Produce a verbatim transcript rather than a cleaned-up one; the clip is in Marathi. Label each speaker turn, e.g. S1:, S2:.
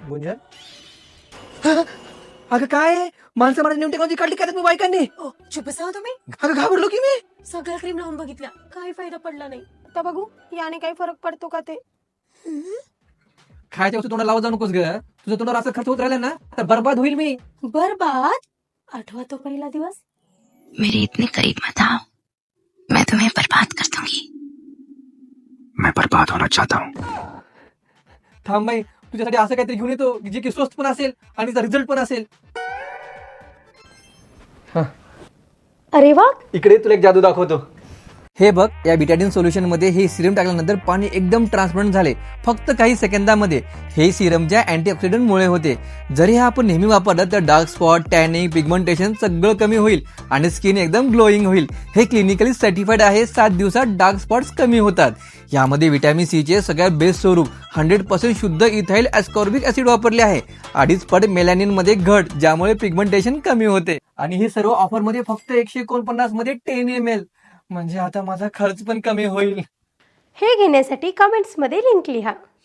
S1: गुंजन अगं काय माणसं मला न्यू टेक्नॉलॉजी काढली काय तुम्ही बायकांनी?
S2: ओ चुप बसा तुम्ही.
S1: अगं घाबरलो की मी.
S2: सगळ्या क्रीम लावून बघितल्या, काही फायदा पडला नाही. आता बघू याने काही फरक पडतो का ते.
S1: खायच्या वस्तू तोंडाला लावत जाऊ नकोस ग. तुझं तोंडावर असं खर्च होत राहिला ना तर बर्बाद होईल मी.
S2: बरबाद? आठवा तो पहिला दिवस.
S3: मेरे इतने करीब मत आओ, मैं तुम्हें बर्बाद कर दूंगी.
S4: मैं बर्बाद होना चाहता हूँ.
S1: थांब बाई, तुझ्यासाठी असं काहीतरी घेऊन येतो जे की स्वस्त पण असेल आणि त्याचा रिझल्ट पण असेल.
S2: अरे वा,
S1: इकडे तुला एक जादू दाखवतो. हे बघ, या बिटाडिन सोल्युशन मध्ये हे सिरम टाकल्यानंतर पाणी एकदम ट्रान्सपरंट झाले फक्त काही सेकंदामध्ये. हे सिरमच्या अँटीऑक्सिडंट मुळे होते. जरी हे आपण नेहमी वापरलं तर डार्क स्पॉट, टॅनिंग, पिगमेंटेशन सगळं कमी होईल आणि स्किन एकदम ग्लोईंग होईल. हे क्लिनिकली सर्टिफाईड आहे. सात दिवसात डार्क स्पॉट्स कमी होतात. यामध्ये व्हिटॅमिन सी चे सगळ्यात बेस्ट स्वरूप हंड्रेड पर्सेंट शुद्ध इथाइल ॲस्कॉर्बिक ऍसिड वापरले आहे. अडीच पट मेलॅनिन मध्ये घट ज्यामुळे पिगमेंटेशन कमी होते. आणि हे सर्व ऑफर मध्ये फक्त एकशे एकोणपन्नास मध्ये टेन एम एल. म्हणजे आता माझा खर्च पण कमी होईल.
S2: हे घेण्यासाठी कमेंट्स मध्ये लिंक लिहा.